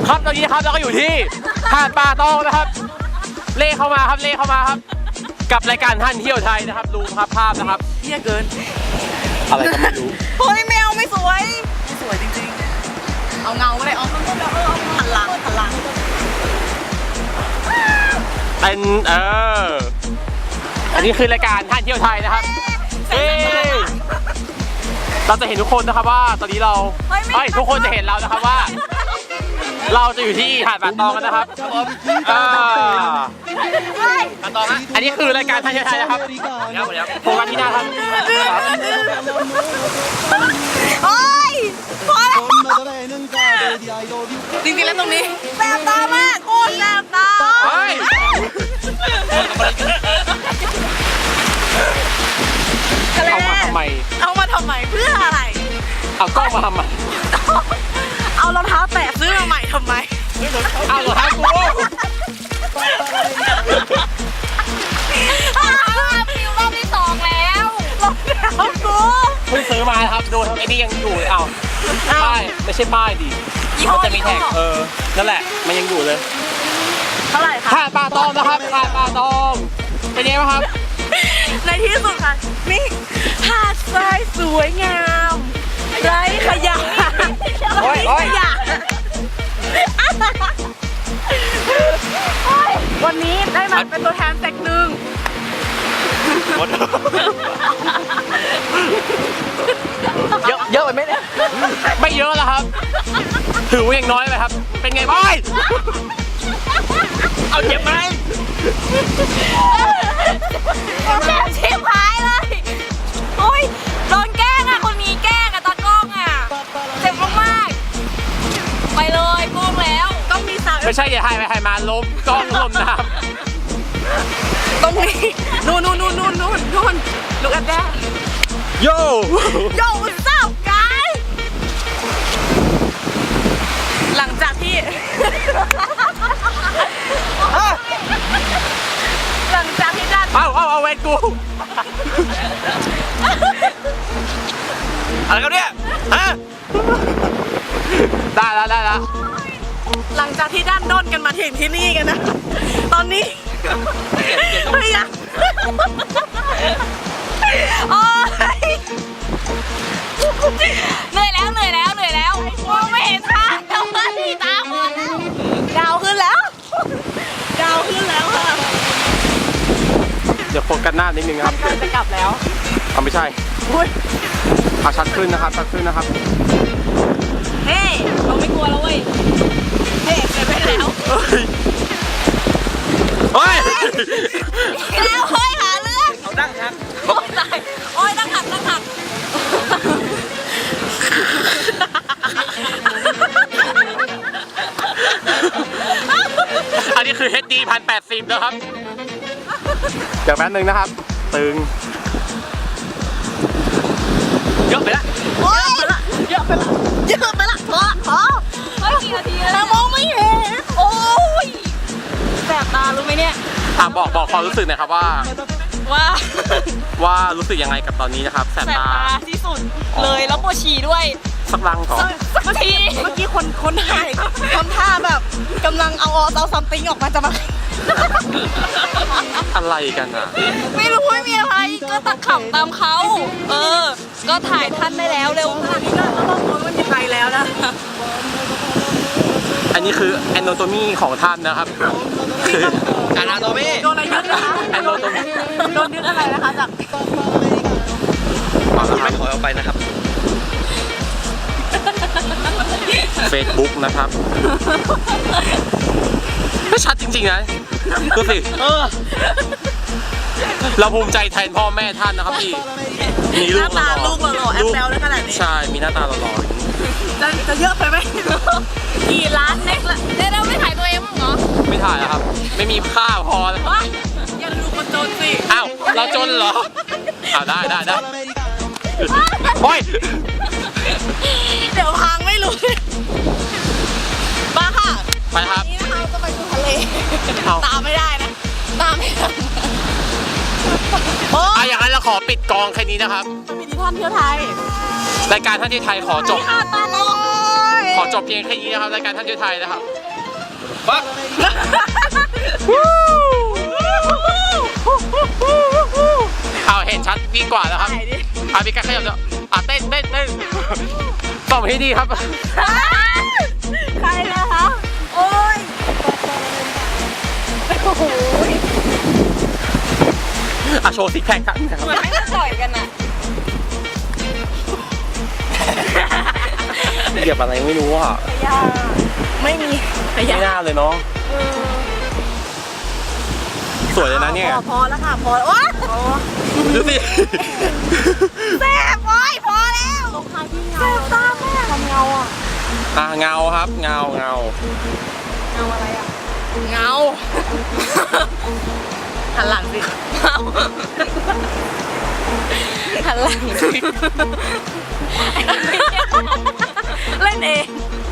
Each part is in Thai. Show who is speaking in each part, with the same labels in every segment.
Speaker 1: ครับตอนนี้นะครับเราก็อยู่ที่หาดป่าตองนะครับเล่เข้ามาครับเล่เข้ามาครับกับรายการท่านเที่ยวไทยนะครับดูครับภาพนะครับ
Speaker 2: เที่ยเกิน
Speaker 1: อะไรก็ไม่รู้
Speaker 2: เฮ้ยแมวไม่สวยไม่สวยจริงๆเอาเงาก็ได้เอาข้างบนแล้วเอาหันหลัง
Speaker 1: เป็นอันนี้คือรายการท่านเที่ยวไทยนะครับเราจะเห็นทุกคนนะครับว่าตอนนี้เราทุกคนจะเห็นเรานะครับว่า เราจะอยู่ที่หาดป่าตองกันนะครับป่าตองนะอันนี้คือรายการท่านเที่ยวไทยนะครับโฟกัสที่หน้าครับ
Speaker 2: โอ้ยพอแล้วจริงๆแล้วตรงนี้แสบตามากโคตรแสบตา
Speaker 1: เอามาทำไม
Speaker 2: เพื่ออะไร
Speaker 1: เอากล้องมาทำไม
Speaker 2: เอารองเท้าแตะซื้อมาใหม่ทำไม
Speaker 1: เอารองเท้ากู
Speaker 2: ฟิวรอบที่2แล้วรองเท้ากู
Speaker 1: เพิ่งซื้อมาครับดูทำไอ้นี่ยังอยู่เลยป้ายไม่ใช่ป้ายดิมันจะมีแท็กนั่นแหละมันยังอยู่เลย
Speaker 2: เท่าไหร่คะ
Speaker 1: หาดป่าตองนะครับหาดป่าตองเป็นไงบ้างครับ
Speaker 2: ในที่สุดค่ะนี่หาดทรายสวยงามไร้ขยะวันนี้ได้มาเป็นตัวแทนแตกหนึ่งเยอะไปไหมเนี่ย
Speaker 1: ไม่เยอะแล้วครับถือว่ายังน้อยไปครับเป็นไงบ้างเอาเจ็บไหม
Speaker 2: แก้ชิบหายเลยโอ้ยโดนแกล้งอ่ะคนนี้แกล้งอ่ะตากล้องอ่ะเจ็บมากๆไปเลยโกงแล้วต้องมีสาว
Speaker 1: ไม่ใช่อย่าให้ไปให้มาล้มกล้องล้มน้ำ
Speaker 2: ตรงนี้นู่นลูกอันแดง
Speaker 1: โย่
Speaker 2: what's up guys หลังจากที่ด้าน
Speaker 1: เอาเวทกูอะไรกันเนี่ยฮะได้แล้ว
Speaker 2: หลังจากที่ด้านด้นกันมาถึงที่นี่กันนะตอนนี้เฮ้ยอะโอ้ยเหนื่อยแล้วมองไม่เห็นทางแล้วตาหมดแล้วดาวขึ้นแล้วค่ะ
Speaker 1: เดี๋ยวโฟกัสหน้านิดนึงครับ
Speaker 2: จะกลับแล้ว
Speaker 1: ไม่ใช่ชัดขึ้นนะครับ
Speaker 2: เฮ้เราไม่กลัวแล้วเว้ยเฮ้เกิดไปแล้ว
Speaker 1: เฮ้ย
Speaker 2: แล้วเฮ้ยหาเรื่อง
Speaker 1: เอาดั้งหัก
Speaker 2: โอ้ยดั้งหัก
Speaker 1: อันนี้คือ HD 1080นะครับเดี๋ยวแป๊บนึงนะครับตึงเยอะไปละ
Speaker 2: พอไม่กี่นาทีแล้วมองไม่เห็นโอ้ยแสบตารู้ไหมเนี่ย
Speaker 1: บอกความรู้สึกหน่อยครับว่ารู้สึกยังไงกับตอนนี้นะครับแสบตา
Speaker 2: ที่สุดเลยแล้วปวดฉี่ด้วย
Speaker 1: สักลังก่อน
Speaker 2: เมื่อกี้คนถ่ายทำท่าแบบกำลังเอาซัมติงออกมาจะมา
Speaker 1: อะไรกันอ่ะ
Speaker 2: ไม่รู้ไม่มีอะไรก็ตัดขำตามเขาก็ถ่ายท่านได้แล้วเร็วขนาดนี้ก็ต้องรู้ว่ายังไงแล้วนะ
Speaker 1: อันนี้คือ anatomy ของท่านนะครับคือ anatomy
Speaker 2: โดนอะไรยึดนะคะ
Speaker 1: anatomy
Speaker 2: โดนยึดอะไรนะคะจาก
Speaker 1: ไม่ขอเอาไปนะครับ Facebook นะครับไม่ชัดจริงๆนะดูสิเราภูมิใจแทนพ่อแม่ท่านนะครับพี่มีลูกหล่อ
Speaker 2: แอปแซวได้ขนาดนี้
Speaker 1: ใช่มีหน้าตาหล่อ
Speaker 2: จะเยอะไปไหมกี่ล้านเล็กละเราไม่ถ่ายตัวเองมั้งเหรอ
Speaker 1: ไม่ถ่ายแล้วครับไม่มีค่าพอแล้ว
Speaker 2: อย่าดูคนจนสิ
Speaker 1: อ้าวเราจนเหรอได้โอ้ย
Speaker 2: เดี๋ยวพังไม่รู้มาค่ะ
Speaker 1: ไปครับ
Speaker 2: นี่นะคะจะไปดูทะเลตามไม่ได้นะตามไม่ทัน
Speaker 1: อย่างนั้นเราขอปิดกองแค่นี้นะครับ
Speaker 2: มีท่านเที่ยวไทย
Speaker 1: รายการท่านเที่ยวไทยขอจบจบเพียงแค่นี้นะครับรายการท่านช่วยไทยนะครับ
Speaker 3: ปั๊บ
Speaker 1: เอาเห็นชัดยิ่งกว่าแล้วครับอาพี่กันขยับเดี๋ยวเต้นส่งให้ดีครับ
Speaker 2: ใครนะคะโอ้ยโอ้โห
Speaker 1: โชว์ซิกแพคครับ
Speaker 2: เหมือนไม่จะต่อยกันอ่ะ
Speaker 1: เหยียบอะไรไม่รู้อ่ะ
Speaker 2: ยาไม่มี
Speaker 1: ไม่น่าเลยเนาะสวยเลยนะเนี่ย
Speaker 2: พอแล้วค่ะพอแล้วโอ๊ย
Speaker 1: ดูสิ
Speaker 2: แซ่บโอ๊ยพอแล้วลงท้ายที่เงาแซ่บตาแม่ทำเงาอ่ะ
Speaker 1: เงาครับเงา
Speaker 2: เงาอะไรอ่ะเงาหันหลังสิหันหลังสิเล่นเอง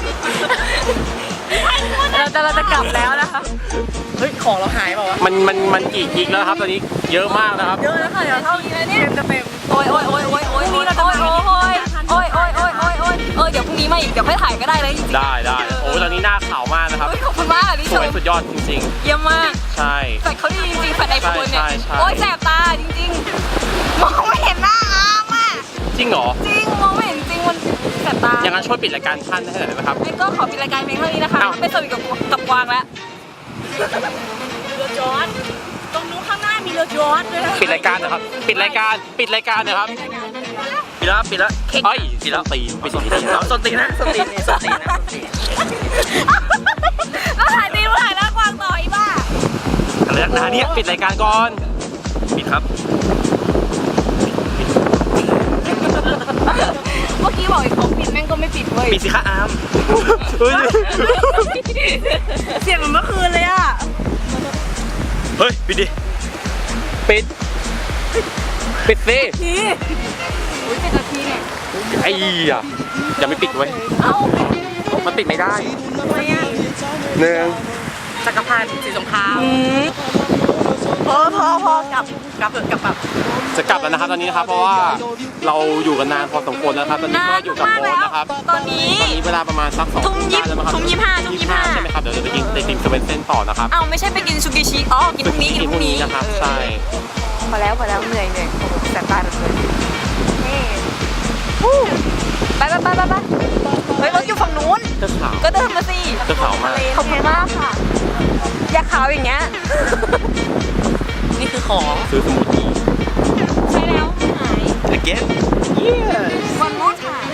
Speaker 2: เราจะกลับแล้วนะคะเฮ้ยของเราหายเปล่าวะ
Speaker 1: มันกี่กิกแล้วครับตอนนี้เยอะมากนะครับ
Speaker 2: เยอะแล้วค่ะเดี๋ยวเท่านี้แล้วเนี่ยจะเป็นโอ้ยนี่เราจะโอ้ยเดี๋ยวพรุ่งนี้มาอีกเดี๋ยวค่อยถ่ายก็ได้เลยจริงๆ
Speaker 1: ได้โอ้ยตอนนี้หน้าขาวมากนะครับ
Speaker 2: ขอบคุณมากอันนี้
Speaker 1: สวยสุดยอดจริง
Speaker 2: เยี่ยมมาก
Speaker 1: ๆใช่
Speaker 2: แฟดเขาดีจริงๆแฟดไอโฟนเนี่ย
Speaker 1: ใช่
Speaker 2: โอ้ยแสบตาจริงๆมองไม่เห็นหน้าอามอ่ะ
Speaker 1: จริงเหรอ
Speaker 2: จริงมองไม่เห็นจริงมันแสบตา
Speaker 1: อย่างนั้นช่วยปิดรายการท่านให้หน่อยได้ไหมครับ
Speaker 2: ไอ้ก็ขอปิดรายการเพลงเท่านี้นะคะ
Speaker 1: อ้าว
Speaker 2: ไปสวิตกับกวางแล้วเรือจอดตรงนู้นข้างหน้ามีเรือจอดด้วยนะ
Speaker 1: ปิดรายการนะครับปิดรายการนะครับปิดแล้วปิดแล้วปิดแล้วตีปิดทีนี้แล้ว
Speaker 3: สตินะสตินะ
Speaker 2: แล้วถ่ายตีถ่ายหน้ากวางต่ออีบ้า
Speaker 3: อะไรนักหนาเนี่ย
Speaker 1: ปิดรายการก่อน
Speaker 3: ปิดครับ
Speaker 2: เมื่อกี้บอกอีกเขาปิดแม่งก็ไม่ปิดเว้ย
Speaker 3: ปิดสิคะอาร์ม
Speaker 1: เฮ้ย
Speaker 2: เสียงเหมือนเมื่อคืนเลยอ่ะ
Speaker 3: เฮ้ยปิดดิ
Speaker 1: ปิดสิ
Speaker 2: ทีอุ้ยเป็นนาทีเนี่ย
Speaker 1: ไอ้อะอย่าไม่ปิดไว้ย
Speaker 2: เอ้า
Speaker 1: มันปิดไม่ได้
Speaker 2: ทำไมอ่ะ
Speaker 1: หนึ่ง
Speaker 2: จักรพันธ์สีสงครามพอกลับแบบ
Speaker 1: จะกลับแล้วนะครับตอนนี้นะครับเพราะว่าเราอยู่กันนานพอสมควรแล้วครับตอนนี้ก็อยู่กับโบ๊ทนะครับ
Speaker 2: ตอนนี้
Speaker 1: เวลาประมาณสัก2
Speaker 2: ทุ่มยี่
Speaker 1: ได้แล้วมั้งครับ
Speaker 2: ทุ่ม25
Speaker 1: ใช่ไหมครับเดี๋ยวจะไปกินไอติมสเวนเซ่นต่อนะครับ
Speaker 2: เอ้าไม่ใช่ไปกินซูกิชิอ๋อกินพรุ่งนี้
Speaker 1: กินพรุ่งนี้นะครับใช่
Speaker 2: พอแล้วเหนื่อยโอ้โหแสบตาเลยนี่ไปเฮ้ยรถอยู่ฝั่งนู้น
Speaker 1: เจ้าขาว
Speaker 2: ก็เดินมาสิ
Speaker 1: เจ้าขาวมาก
Speaker 2: ขอบคุณมากค่ะ อยากขาวอย่างเงี้ย นี่คือของ
Speaker 1: ซื้อสมูทตี้
Speaker 2: ใช่แล้วหาย
Speaker 3: again
Speaker 2: วันนู้นหาย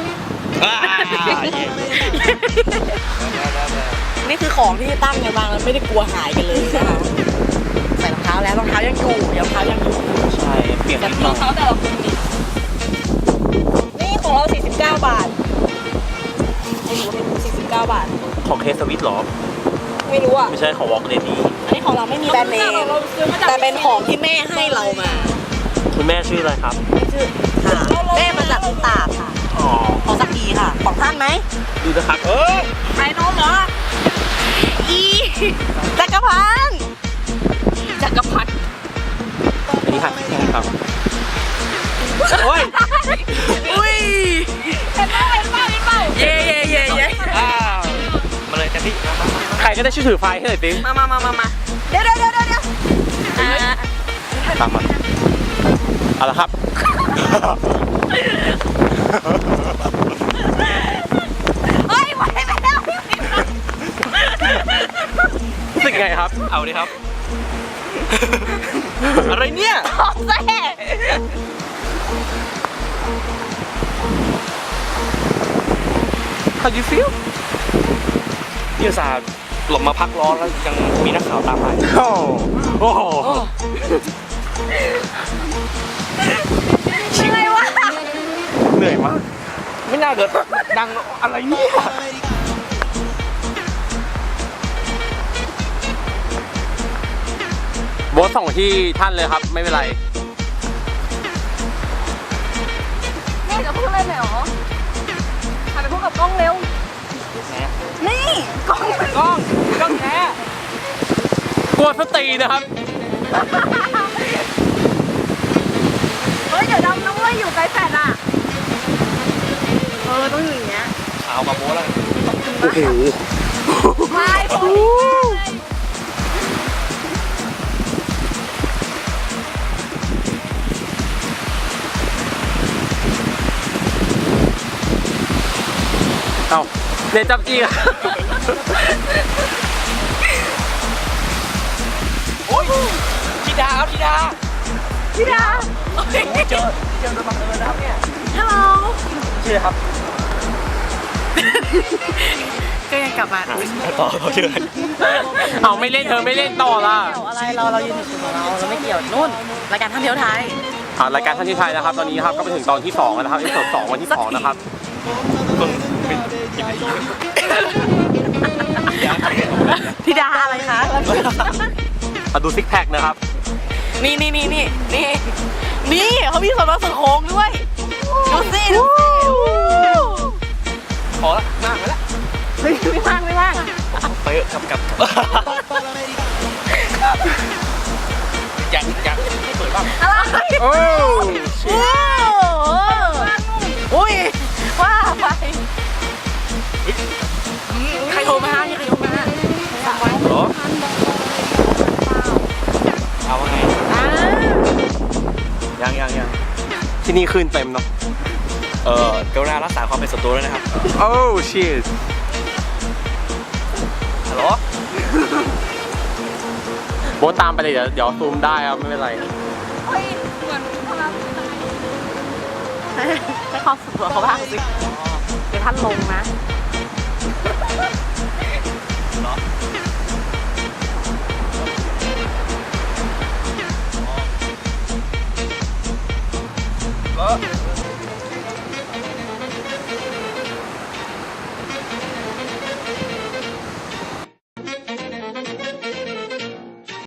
Speaker 2: นี่คือของที่ตั้งกันมาแล้วไม่ได้กลัวหายกันเลยนะคะใส่รองเท้าแล้วรองเท้ายังอยู่รองเท้ายังอยู่
Speaker 1: ใช่เปลี่ยน
Speaker 2: แต่
Speaker 1: นิดห
Speaker 2: ร
Speaker 1: น่
Speaker 2: อ
Speaker 1: อง ย
Speaker 2: เท้าแต่ละคนดินี่ของเรา49 บาทไอ้หนู49 บาท
Speaker 1: ของเคสวิตหรอ
Speaker 2: ไม่รู้อ่ะ
Speaker 1: ไม่ใช่ของวอล์กเลดี้
Speaker 2: อันนี้ของเราไม่มีแบรนด์เนมแต่เป็นของที่แม่ให้เรามา
Speaker 1: คุณแม่ชื่ออะไรครับ
Speaker 2: ชื่อค่ะแม่มาจากอุตาค่ะ
Speaker 1: อ๋อ
Speaker 2: ของสักกีค่ะ ของท่านไหม
Speaker 1: ดูนะครับ
Speaker 2: ขายนมเหรออีจักรพันธ์จักรพันธ์
Speaker 1: อันนี้ค่ะใช่ครับโอ้ย
Speaker 2: อุ้ยเป็นเป้าเย่
Speaker 3: มาเลยกันที่
Speaker 1: ใครก็ได้ช่วยถือไฟให้หน่อยสิ
Speaker 2: มาเดี๋ยว
Speaker 1: ตามมาเอาละครับ
Speaker 2: เฮ้ยไปแล้ว
Speaker 1: รู้สึกไงครับ
Speaker 3: เอาดิครับ อะไรเนี่ย
Speaker 2: ของแซ่
Speaker 1: How do you feel
Speaker 3: นี่อุตส่าห์หลบมาพักร้อนแล้วยังมีนักข่าวตามไป
Speaker 1: โอ้โห
Speaker 2: อะไรวะ
Speaker 1: เหนื่อยมาก
Speaker 3: ไม่น่าเกิดดังอะไรเนี่ย
Speaker 1: โบ๊ทส่งที่ท่านเลยครับไม่เป็นไร
Speaker 2: แม่จะพูดอะไรหน่อยหรอหันไปพูดกับกล้องเร็วนี่กล้องแท้
Speaker 1: กลัวสตีนะครับ
Speaker 2: เฮ้ยเดี๋ยวดำนะเว้ยอยู่ไกลแฟนอ่ะต้องอยู่อย่างเงี้ย
Speaker 3: ข่าวมาโบ้แล้วโอ้โห
Speaker 2: ไปโอ้ย
Speaker 1: เอ้าเนี่ยจับจี้อะ
Speaker 3: โอ้ยธิดาครับธิดา
Speaker 2: พี่ดา
Speaker 3: เจอโดยบังเอิญนะครับเนี่ย
Speaker 2: ฮัลโหล
Speaker 3: ชื่อครับ
Speaker 2: ก็ยังกลับมา
Speaker 3: ต่อชื่อ
Speaker 1: เอาไม่เล่นเธอไม่เล่นต่อละ
Speaker 2: เกี่ยวอะไรเรายืนอยู่ของเราไม่เกี่ยวนู่นรายการท่องเที่ยวไทย
Speaker 1: รายการท่านที่ไทยนะครับ ตอนนี้ครับก็ไปถึงตอนที่2แล้วนะครับที่สองวันที่2นะครับ
Speaker 2: ธิดาอะไรคะ
Speaker 1: มาดูซิกแพคนะครับ
Speaker 2: นี่เขามีส่วนผสมโค้งด้วยดูสิ
Speaker 3: พอละมากไปละ
Speaker 2: ไม่ว่าง
Speaker 3: ไปเถอะกับยังเปิดบ้าง
Speaker 2: อะไร
Speaker 1: โอ้
Speaker 2: อุ้ยว่าไปใครโทรมาใครโทรมา
Speaker 3: เหรอเอาว่าไงยัง
Speaker 1: ที่นี่ขึ้นเต็มเนาะ
Speaker 3: กรุณารักษาความเป็นส่วนตัวด้วยนะครับ
Speaker 1: โอ้ชีส
Speaker 3: ฮัลโหล
Speaker 1: โบทตามไปเลยเดี๋ยวซูมได้ครับไม่เป็นไร
Speaker 2: เฮ้ยเหมือนพลังให้ความสุขเขาบ้างสิเดี๋ยวท่านลงนะ
Speaker 3: เหรอ